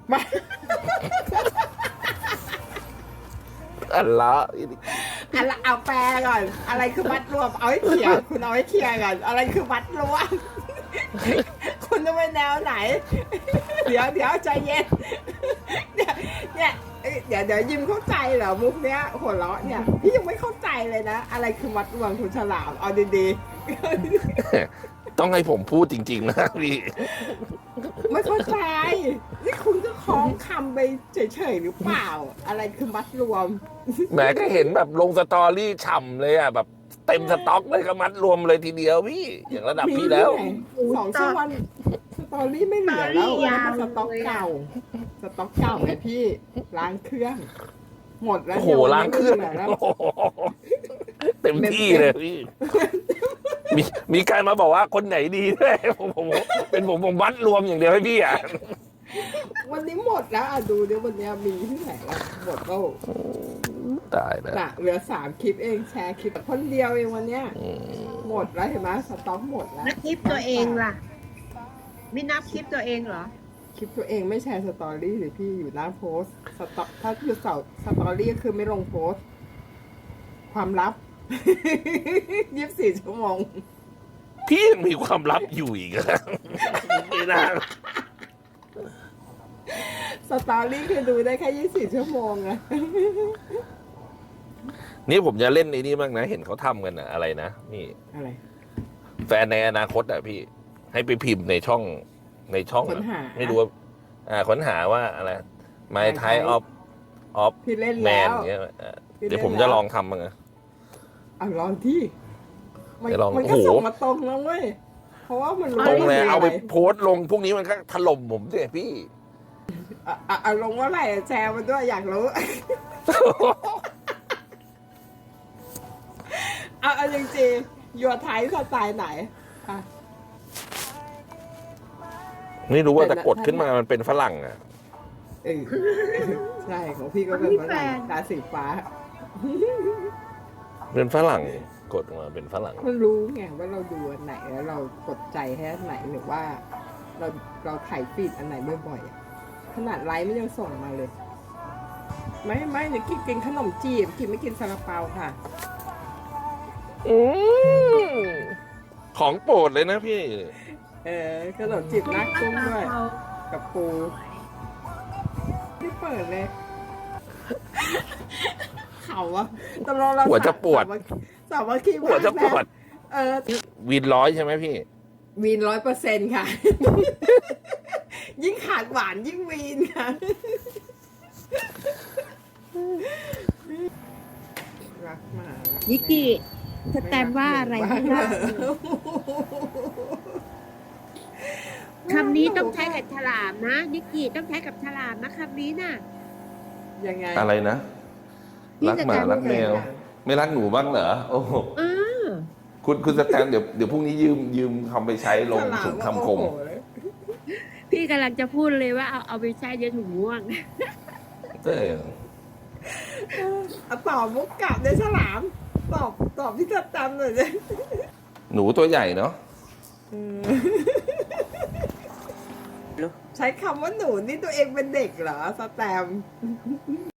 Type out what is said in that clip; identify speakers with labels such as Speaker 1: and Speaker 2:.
Speaker 1: มา
Speaker 2: อันละ
Speaker 1: เอาแปลก่อนอะไรคือวัดรวมเอาให้เคลียร์คุณเอาให้เคลียร์ก่อนอะไรคือวัดรวมคุณจะไปแนวไหนเดี๋ยวใจเย็นเนี่ยเดี๋ยวยิ้มเข้าใจเหรอมุกเนี้ยหัวเราะเนี่ยพี่ยังไม่เข้าใจเลยนะอะไรคือวัดรวมคุณฉลามเอาดี
Speaker 2: ๆต้องให้ผมพูดจริงๆนะพี่
Speaker 1: ไม่เข้าใจนี่คุณก็คล้องคำไปเฉยๆหรือเปล่าอะไรคือมัดรวม
Speaker 2: แหมก็เห็นแบบลงสตอรี่ฉ่ำเลยอ่ะแบบเต็มสต็อกเลยก็มัดรวมเลยทีเดียวพี่อย่างระดับพี่แล้ว
Speaker 1: 2 ชั่วโมงสตอรี่ไม่เหลือแล้วสต็อกเก่าไงพี่ล้างเครื่องหมดแล้ว
Speaker 2: โอ้โหล้างเครื่องเต็มที่เลยพี่มีการมาบอกว่าคนไหนดีด้วยผมวัดรวมอย่างเดียวให้พี่อ่ะ
Speaker 1: วันนี้หมดแล้วดูเดี๋ยววันนี้มีที่ไหนแล้วหมดแล้ว
Speaker 2: ตายแล้ว
Speaker 1: เหลือ3 คลิปเองแชร์คลิปคนเดียวเองวันเนี้ยหมดแล้วเห็นไหมสต็อกหมดแล้ว
Speaker 3: คลิปตัวเองล่ะไม่นับคลิปตัวเองเหรอ
Speaker 1: คลิปตัวเองไม่แชร์สตอรี่หรือพี่อยู่หน้าโพสสต็อกถ้าคือสตอรี่ก็คือไม่ลงโพสความลับ24 ชั่วโมง
Speaker 2: พี่ยังมีความลับอยู่อีกนะไม่น่า
Speaker 1: สตอรี่คือดูได้แค่24 ชั่วโมงอะ
Speaker 2: นี่ผมจะเล่นในนี้บ้างนะเห็นเขาทำกันนะอะไรนะนี่
Speaker 1: อะไร
Speaker 2: แฟนในอนาคตอ่ะพี่ให้ไปพิมพ์ในช่อง
Speaker 1: ค้นหา
Speaker 2: ไม่รู้ว่าค้นหาว่าอะไร My Type of
Speaker 1: พี่เล่น
Speaker 2: Man
Speaker 1: แล้ว
Speaker 2: เงี้ยเดี๋ยวผมจะลองทำบ้างนะ
Speaker 1: ลองที่มันก็ส่งมาตรงแล้วเว้ยเพราะว่ามัน
Speaker 2: ตรงเลยเอาไปโพสต์ลงพวกนี้มันก็ถล่มผมสิพี่
Speaker 1: ลงว่าอะไรแชร์มาด้วยอยากรู้เอาจริงๆยัวไทยสไตล์ไหน
Speaker 2: ไม่รู้ว่าแต่กดขึ้นมามันเป็นฝรั่งอ่ะ
Speaker 1: ใช่ของพี่ก็เป็นฝรั่งตาสีฟ้า
Speaker 2: เป็นฝรั่งกดมาเป็นฝรั่ง
Speaker 1: มันรู้ไงว่าเราดูอันไหนแล้วเรากดใจให้อันไหนหรือว่าเราถ่ายฟีดอันไหนบ่อยๆขนาดไลฟ์ไม่ยังส่งมาเลยไม่เดี๋ยวกินขนมจีบกินไม่กินซาลาเปาค่ะ
Speaker 2: ของโปรดเลยนะพี่
Speaker 1: ขนมจีบนักกุ้งด้วยกับปูที่เปิดเลยเขาอะตลอดเรา
Speaker 2: หัวจะปวด
Speaker 1: สาวว่าขี้
Speaker 2: หัวจะปวดวีน100ใช่ไหมพี่
Speaker 1: วีน100%ค่ะยิ่งขาดหวานยิ่งวีนค่ะรักมาก
Speaker 3: นิกกี้สแตมว่าอะไรนะคำนี้ต้องใช้กับฉลามนะนิกกี้ต้องใช้กับฉลามนะคำนี้น่ะ
Speaker 1: ยังไง
Speaker 2: อะไรนะรักหมารักแมวไม่รักหนูบ้างเหรอโอ้คุณสแตมเดี๋ยวพรุ่งนี้ยืมทำไปใช้ลงถุงคำคม
Speaker 3: พี่กำลังจะพูดเลยว่าเอาไปใช้เยอะถุงม่วง
Speaker 1: ตอบมุกกลับเลยฉลามตอบที่สแตมเลย
Speaker 2: หนูตัวใหญ่เนาะ
Speaker 1: ใช้คำว่าหนูนี่ตัวเองเป็นเด็กเหรอสแตม